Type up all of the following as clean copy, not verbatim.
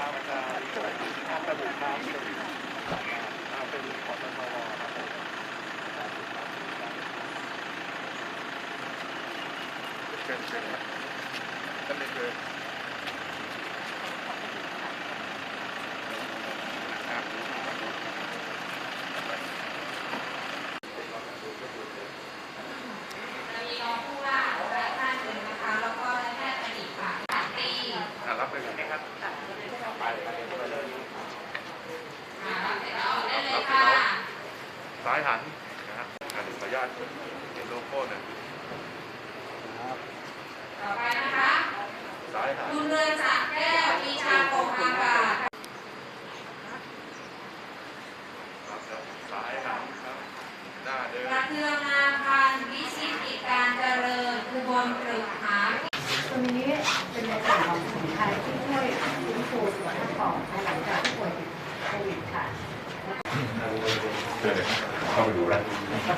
ครับอาจารย์ข้ามกระดูกครับเป็นของตมครับเชิญท่านเลยคือรับไปเลยนะครับไปเลยซ้ายหันนะครับขออนุญาตเห็นโลโก้หน่อยต่อไปนะคะซ้ายหันคุณเรือจากแก้วปีชาโกงอากาศซ้ายหันครับหน้าเดินกระเทืองนาพันธ์วิชิตกิจการเจริญอุบลปรึกหาตัวนี้เป็นในส่วนของสมุนไพรที่ช่วยฟื้นฟูสุขภาพปอดหลังจากป่วยติดโควิดค่ะเข้าไปดูแล้ว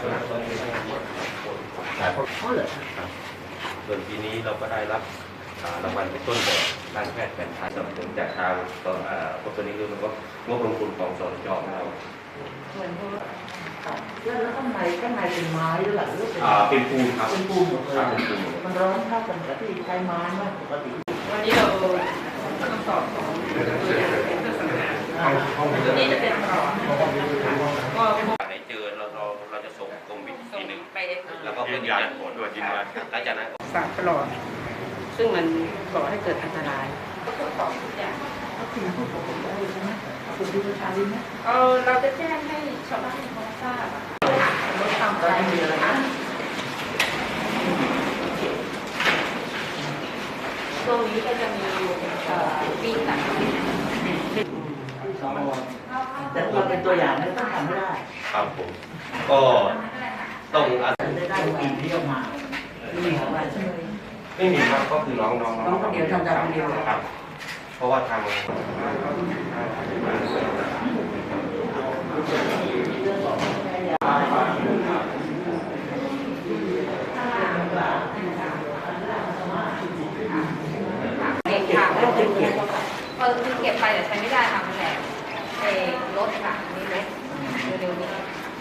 ส่วนปีนี้เราก็ได้รับรางวัลเป็นต้นแบบด้านแพทย์แผนไทยสนับสนุนจากทางตัวนี้คือมันก็งบลงทุนของสจเราเหมือนแล้วข้างในเป็นไม้หรือเปล่าเป็นปูนครับเป็นปูนหมดเลยมันร้อนเท่ากันกับที่ใช้ไม้มากปกติวันนี้เราต้องสอบของตัวอย่างเป็นศาสนาตัวนี้จะเป็นร้อนไหนเจอเราจะส่งกรมวิทย์ทีหนึ่งไปแล้วก็ยืนยันผลด้วยยืนยันหลังจากนั้นสารปลอดซึ่งมันก่อให้เกิดอันตรายก็ตรวจสอบทุกอย่างก็คือผู้ปกครองได้ใช่ไหมคุณดูประชาชนไหมเราจะแจ้งให้ชาวบ้านเขาทราบลดความใจมีอะไรนะตรงนี้ก็จะมีปีต่างแต่เราเป็นตัวอย่างไม่ต้องทำไม่ได้ครับผมก็ต้องอาศัยได้ปีที่ออกมาไม่มีอะไรใช่ไหมไม่มีครับก็คือน้องคนเดียวทำคนเดียวครับเพราะว่าทางเด็กค่ะเก็บไปแต่ใช้ไม่ได้ค่ะมันแหลกรถค่ะนี่ไหมเร็วๆนี้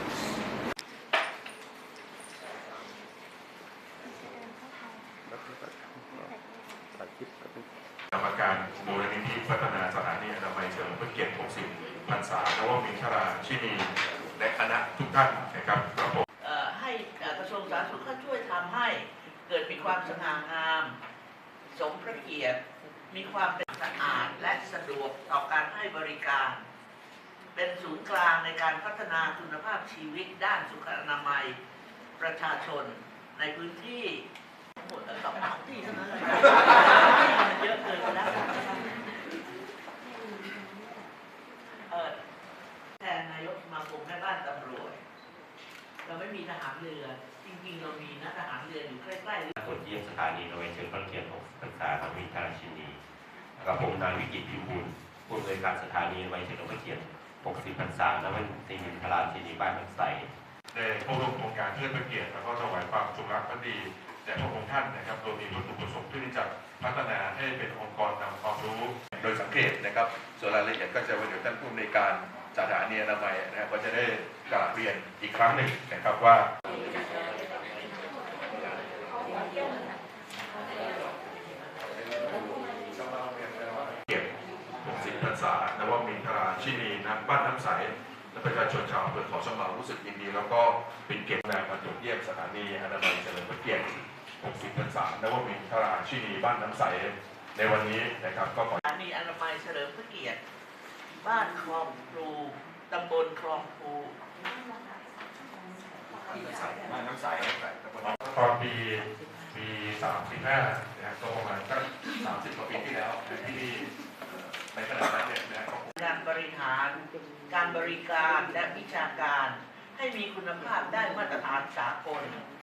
กรรมการมูลนิธิพัฒนาสถานีอนามัยเฉลิมพระเกียรติ 60 พรรษานวมินทราชินีและคณะทุกท่านนะครับครับผมให้กระทรวงสาธารณสุขช่วยทำให้เกิดมีความสง่างามสมพระเกียรติมีความเป็นสะอาดและสะดวกต่อการให้บริการเป็นศูนย์กลางในการพัฒนาคุณภาพชีวิตด้านสุขอนามัยประชาชนในพื้นที่หมดสองที่เท่านั้นเลยเยอะเกินไปแล้วแทนนายกสมาคมแม่บ้านตำรวจเราไม่มีทหารเรือจริงๆเรามีนะทหารเรืออยู่ใกล้ๆตรวจเยี่ยมสถานีโดยเชิญพระเกียรติ60 พรรษาของวิทยาชินีกับผมนายวิกิตพิมพ์บุญผู้อำนวยการสถานีโดยเชิญพระเกียรติ 60 พรรษาและวันที่มินทราชินีบ้านน้ำใสได้เข้าร่วมโครงการเทิดพระเกียรติแล้วก็ถวายความจงรักภักดีแด่พระองค์ท่านนะครับโดยมีวัตถุประสงค์เพื่อที่จะพัฒนาให้เป็นองค์กรนำความรู้โดยสังเกตนะครับส่วนรายละเอียดก็จะวันเดี๋ยวท่านผู้อำนวยการสถานีอนามัยนะครับก็จะได้กราบเรียนอีกครั้งหนึ่งนะครับว่าเกียรติ 60 พรรษานวมินทราชินีณบ้านน้ำใสและประชาชนชาวอำเภอเขาสมารู้สึกยินดีแล้วก็เป็นเกียรติมาตรวจเยี่ยมสถานีอนามัยเฉลิมพระเกียรติ 60 พรรษานวมินทราชินีบ้านน้ำใสในวันนี้นะครับก็ขอสถานีอนามัยเฉลิมพระเกียรติบ้านคลองพลูตำบลคลองพลูบ้านน้ำใสตอนปี 35นะครับก็ประมาณสัก30 กว่าปีที่แล้วที่ในขณะนั้นเนี่ยนะครับการบริหารการบริการและวิชาการให้มีคุณภาพได้มาตรฐานสากล